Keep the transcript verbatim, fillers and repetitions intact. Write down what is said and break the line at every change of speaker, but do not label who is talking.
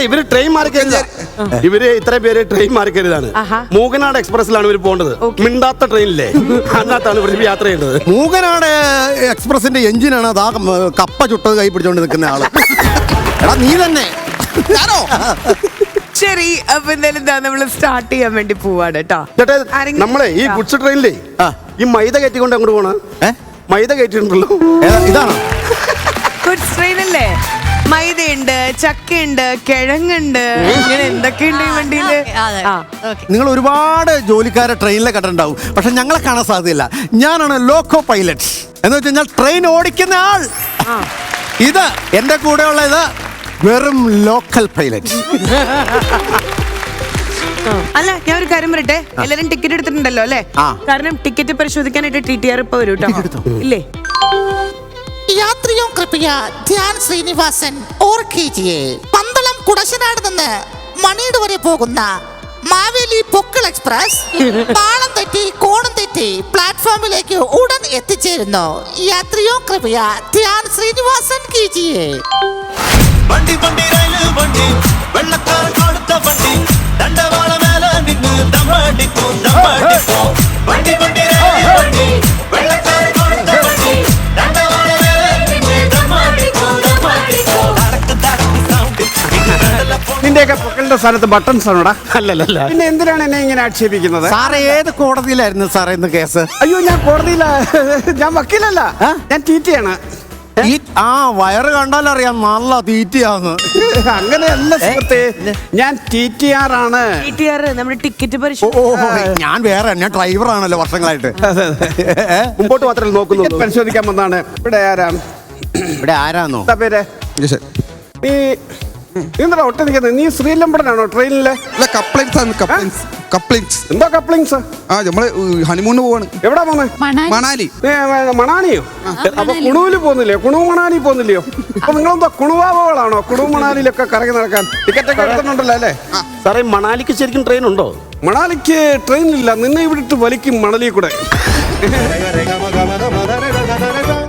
ഇവര് ട്രെയിൻ മാറിക്കരുത്. ഇവര് ഇത്ര പേര് ട്രെയിൻ മാറിക്കരുതാണ്. മൂകനാട് എക്സ്പ്രസിലാണ് ഇവർ പോകേണ്ടത്. മിണ്ടാത്ത ട്രെയിനില്ലേ, അതിനകത്താണ് ഇവർ യാത്ര ചെയ്യേണ്ടത്.
മൂകനാട് എക്സ്പ്രസിന്റെ എഞ്ചിനാണ് അതാ കപ്പ ചുട്ടത് കൈ പിടിച്ചോണ്ട് നിൽക്കുന്ന ആള്. എടാ നീ തന്നെ.
ശരി, അപ്പൊ എന്തായാലും നമ്മള് സ്റ്റാർട്ട് ചെയ്യാൻ വേണ്ടി പോവാണ് കേട്ടോ.
നമ്മളെ ഈ ഗുഡ്സ് ട്രെയിനിലേ ഈ മൈദ കയറ്റിക്കൊണ്ട് അങ്ങോട്ട് പോണ മൈദ കയറ്റിട്ടുണ്ടല്ലോ.
ഇതാണോ
ഗുഡ്സ് ട്രെയിൻ അല്ലേ? മൈദയുണ്ട്, ചക്കയുണ്ട്, കിഴങ്ങുണ്ട്, ഇങ്ങനെ എന്തൊക്കെയുണ്ട് ഈ വണ്ടിയില്.
നിങ്ങൾ ഒരുപാട് ജോലിക്കാരെ ട്രെയിനിലെ കണ്ടിട്ടുണ്ടാവും, പക്ഷെ ഞങ്ങളെ കാണാൻ സാധ്യതയില്ല. ഞാനാണ് ലോക്കോ പൈലറ്റ് എന്ന് വെച്ച് കഴിഞ്ഞാൽ ട്രെയിൻ ഓടിക്കുന്ന ആൾ. ഇത് എന്റെ കൂടെയുള്ള ഇത് വെറും ലോക്കൽ പൈലറ്റ്.
അല്ല, ഞാൻ ഒരു കാര്യം പറയട്ടെ, എല്ലാരും ടിക്കറ്റ് എടുത്തിട്ടുണ്ടല്ലോ അല്ലേ? കാരണം ടിക്കറ്റ് പരിശോധിക്കാനായിട്ട് ടി ടി ആർ ഇപ്പൊ വരും കേട്ടോ. ഇല്ലേ?
यात्रियों कृपया ध्यान ശ്രീനിവാസൻ ഓർക്കിജിയെ പന്തളം കുടശനാട് നിന്ന് മണിയുടെ വരെ പോകുന്ന മാവേലി പൊക്കിൾ എക്സ്പ്രസ് പാളം തെറ്റി കോണം തെറ്റി പ്ലാറ്റ്ഫോമിലേക്ക് ഉടൻ എത്തിച്ചേരുന്നു. യാത്രിയോ കൃപയ ധ്യാൻ ശ്രീനിവാസൻ കീജിയെ.
വണ്ടി വണ്ടി റെയിൽ വണ്ടി വെള്ളക്കാരൻ കൊടുത്ത വണ്ടി ദണ്ഡവാള മേലെ നിന്ന് ദമ്മടിക്കോ ദമ്മടിക്കോ. വണ്ടി വണ്ടി റെയിൽ വണ്ടി വെള്ളക്കാരൻ കൊടുത്ത വണ്ടി ദണ്ഡവാള മേലെ നിന്ന് ദമ്മടിക്കോ ദമ്മടിക്കോ. തടക്ക് തടക്ക് സൗണ്ട്
നിന്റെയൊക്കെ പൊക്കലിന്റെ സ്ഥാനത്ത് ബട്ടൺസ് ആണോടാ? അല്ലല്ല. പിന്നെ എന്തിനാണ് എന്നെ ഇങ്ങനെ ആക്ഷേപിക്കുന്നത്?
സാറേ ഏത് കോടതിയിലായിരുന്നു സാറേ ഇന്ന് കേസ്?
അയ്യോ, ഞാൻ കോടതിയില, ഞാൻ വക്കീലല്ല, ഞാൻ ടിറ്റിയാണ്.
ആ വയറ് കണ്ടാലറിയാം നല്ല തീറ്റയാന്ന്.
അങ്ങനെയല്ല സുഹൃത്തേ, ഞാൻ ടി ടി ആർ ആണ്.
ടി ടി ആർ നമ്മുടെ ടിക്കറ്റ്
ഓ
പരിശോധന.
ഞാൻ വേറെ, ഞാൻ ഡ്രൈവറാണല്ലോ വർഷങ്ങളായിട്ട്.
മുമ്പോട്ട് മാത്രമേ നോക്കുന്നു. പരിശോധിക്കാൻ വന്നാണ്. ഇവിടെ ആരാ?
ഇവിടെ ആരാന്നോ
പേര്? നീ എന്താ ഒട്ട നിൽക്കുന്നത്? നീ ശ്രീലംബടനാണോ ട്രെയിനിലെ? എന്താ കപ്ലിങ്സ്?
ആ നമ്മള് ഹണിമൂണിന് പോവാണ്.
എവിടാ പോന്നെ?
മണാലി.
മണാലിയോ? അപ്പൊ കുണുവില് പോകുന്നില്ലയോ? കുണു മണാലി പോകുന്നില്ലയോ? അപ്പൊ നിങ്ങളെന്താ കുണുവാവകളാണോ? കുണു മണാലിയിലൊക്കെ കറങ്ങി നടക്കാൻ ടിക്കറ്റ് ഒക്കെ എടുക്കുന്നുണ്ടല്ലോ അല്ലേ? സാറേ, മണാലിക്ക് ശരിക്കും ട്രെയിൻ ഉണ്ടോ? മണാലിക്ക് ട്രെയിൻ ഇല്ല, നിന്നെ ഇവിടെ ഇട്ട് വലിക്കും മണലി കൂടെ.